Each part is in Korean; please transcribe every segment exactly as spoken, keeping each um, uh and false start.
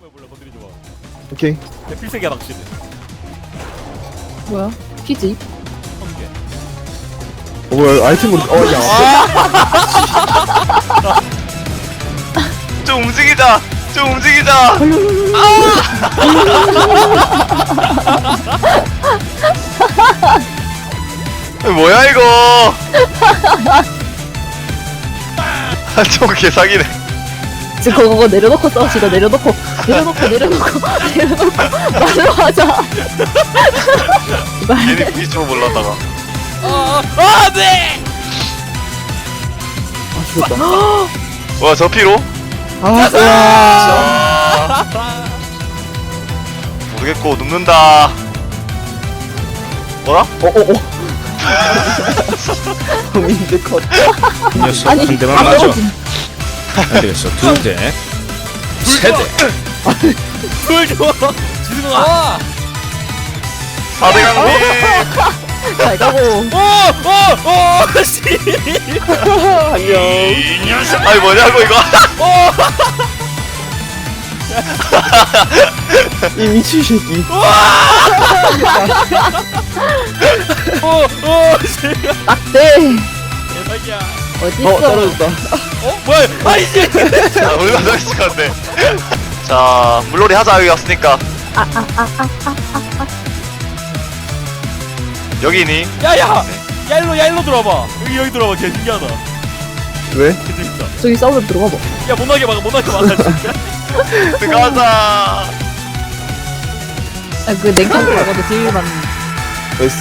몰라 건드리지 마. 오케이. 필살기야 낚시는. 뭐야? 피지? 개. 어 뭐야 아이템으로 어야 좀 움직이자. 좀 움직이자. 아! 뭐야 이거? 좀 개사기네. 지금 그거, 그거 내려놓고 싸우시다. 내려놓고 내려놓고 내려놓고 내려놓고 말로 하자. 말. 괜히 부딪히고 몰랐다가. 아, 아, 네. 아 죽었다. 와, 저 피로? 아 으아. 모르겠고 눕는다. 뭐라? 어어어. 민재 컷. 이 녀석 아니 한 대만 아, 맞아. 떨어진. 안 되겠어. 두 대, 세 대. 불 좋아. 지승아. 사 대 강림. 잘 가고. 오, 오, 오, 씨. 안녕. 이 녀석. 아니 뭐냐고 이거. 이 미친 새끼. 오, 오, 씨. 낙대. 대박이야. 어디 어 있어? 떨어졌다. 어, 뭐야? 아이씨. 자, 우리가 더 있을 것 같네. 자, 물놀이 하자 여기 왔으니까. 여기니? 야, 야, 야 일로, 야 일로 들어와봐. 여기 여기 들어와봐. 개 신기하다. 왜? 개 재밌다. 저기 싸우면 들어가 봐. 야, 못나게 막아, 못나게 막아. 진짜. 들어가자. 아, 그 냉장고 말고도 딜만. 됐어.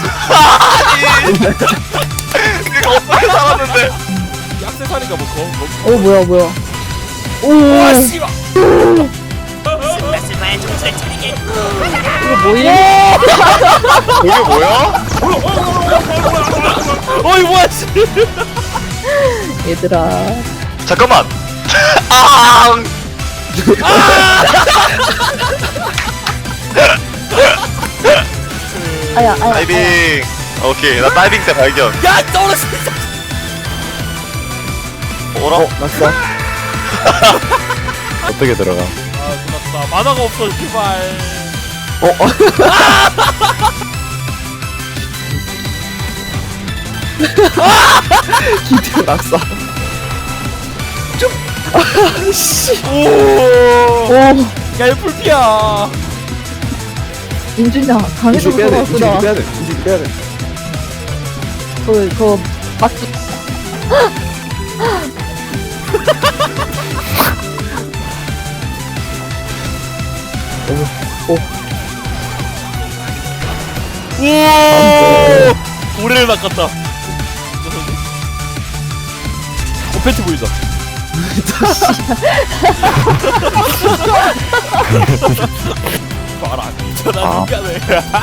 이거 어떻게 살았는데? 약세사니까 뭐 거, 뭐. 어 뭐야 뭐야. 오. 와, 씨발. 이거 뭐야? 이게 뭐야? 어이 뭐야, 씨. 얘들아. 잠깐만. 아! 아야 아야. 다이빙. 오케이, 나 다이빙 때 발견. 야, 떨어졌어. 뭐라? 어 낙사. 어떻게 들어가? 아, 끝났다. 만화가 없어, 제발. 어. 어. 기트 낙사. 아씨. 오. 오. 야, 이거 풀피야. 민준아 강해서 이제 빼야 돼. 이제 들어갔구나. 빼야 돼. 이제 빼야 돼. 그, 그, 막기. 오. 고래를 낚았다. 어, 팬티 보이자. 봐라, 미쳐나 아. 인간을.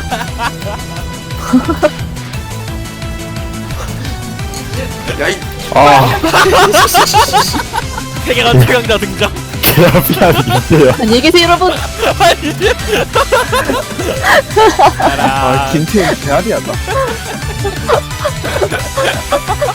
야이. 아. 세계관 최강자 등장. 그라비안 있대요. 안녕히 계세요, 여러분. 아 김태현 개아리하다.